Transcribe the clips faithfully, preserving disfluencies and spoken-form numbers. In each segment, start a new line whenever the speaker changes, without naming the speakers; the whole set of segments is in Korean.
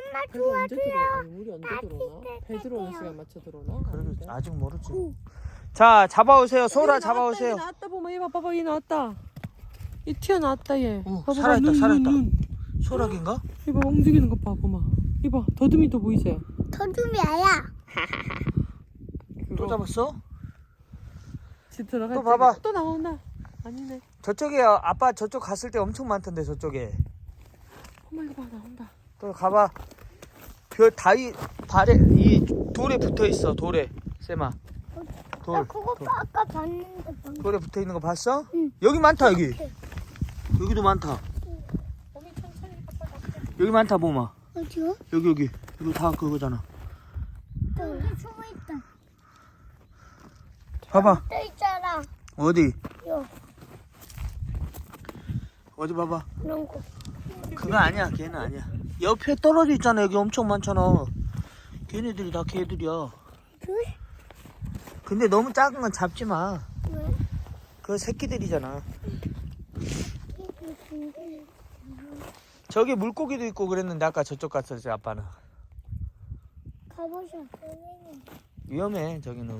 엄마
배가 언제 들어와?
도와줘요.
아니, 물이 언제
나
들어오나?
진짜
배 들어오는
탈게요.
시간 맞춰 들어오나?
그래도
아닌데.
아직 모르지. 자, 잡아오세요. 소라
얘
잡아오세요.
나왔다, 얘 나왔다 보면 얘 봐봐, 얘 나왔다. 얘 튀어나왔다 얘.
어,
봐봐,
살아있다,
눈,
살아있다.
눈, 눈.
소라기인가?
이봐 움직이는 것 봐, 보마. 이봐 더듬이도 보이세요?
더듬이야.
또 잡았어?
집 들어갈
또
때
봐봐.
또 나온다. 아니네.
저쪽에 아빠 저쪽 갔을 때 엄청 많던데 저쪽에.
어머 이거 봐 나온다.
또 가봐. 그 다이 발에 이 돌에 붙어 있어. 돌에 쌤아.
나
돌.
그거
돌.
아까 봤는데 방금.
돌에 붙어 있는 거 봤어?
응.
여기 많다 여기. 여기도 많다.
몸이 천천히 아빠 잡게.
여기 많다 보마.
어디요?
여기 여기. 이거 다 그거잖아.
여기 숨어 있다.
봐봐.
또 있잖아.
어디?
요
어디 봐봐.
그런 거.
그거 아니야. 걔는 아니야. 옆에 떨어져 있잖아. 여기 엄청 많잖아. 걔네들이 다 걔들이야.
그래?
근데 너무 작은 건 잡지 마.
왜?
그거 새끼들이잖아.
이게 근데
저기 물고기도 있고 그랬는데 아까 저쪽 갔었지 아빠는.
가보자.
위험해 저기는.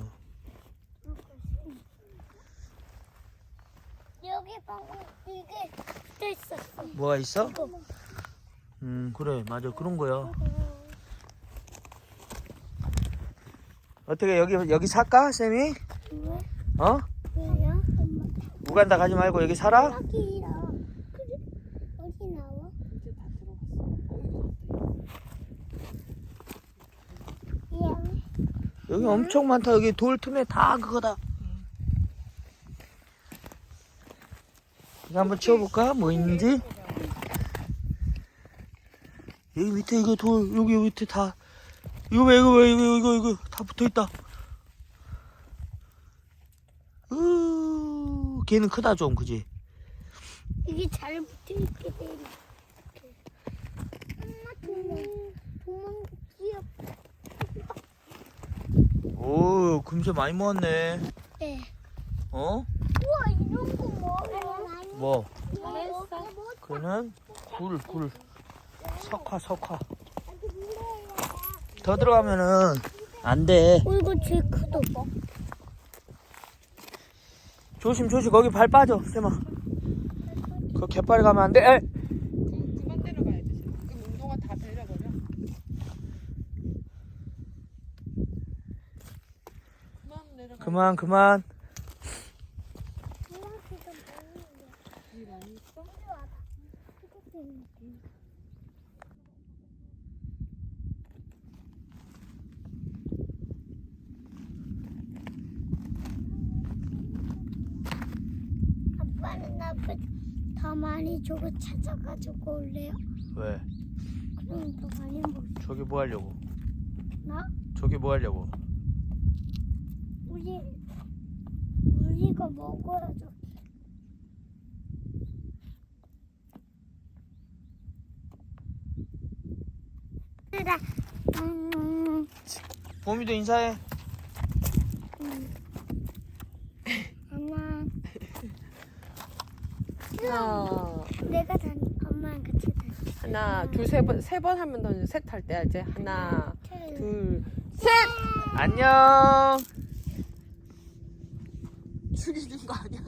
여기 방금 이게 붙어 있었어.
뭐가 있어?
이거.
음 그래 맞아 그런 거야. 어떻게 여기 여기 살까 쌤이?
왜?
어?
왜요? 엄마.
우간다 가지 말고 여기 살아?
여기라. 그래? 어디 나와?
이제 다 들어갔어. 어,
미안해.
여기 엄청 많다. 여기 돌 틈에 다 그거다. 이거 한번 치워볼까? 뭐 있는지? 여기 밑에 이거 돌 여기 여기 밑에 다 이거 왜 이거 왜 이거 이거 이거 다 붙어있다. 으 걔는 크다 좀 그지?
이게 잘 붙어 있게 돼. 이렇게. 엄마 도망 도망 귀엽다.
오 금세 많이 모았네.
네.
어?
우와 이런 거 뭐예요?
뭐?
잘했어.
그는 굴 굴. 석화 석화. 더 들어가면은 안 돼.
어 이거 제일 크다.
조심 조심 거기 발 빠져 쌤아. 그 갯발에 가면 안 돼. 에!
그, 그만 내려가야지. 그럼 운동화 다 데려버려. 그만 내려가.
그만 그만.
이 많이 있어?
아빠는 나보다 더 많이 주고 찾아가지고 올래요?
왜?
그럼 더 많이 먹.
저기 뭐 하려고?
나?
저기 뭐 하려고?
우리 우리가 먹어야죠. 얘들아, 음,
봄이도 인사해.
엄마,
하나,
내가 단 엄마랑 같이 다니.
하나, 둘, 세 번, 세 번 하면 더 셋 할 때야 이제 하나, 둘, 셋.
안녕.
죽이는 거 아니야?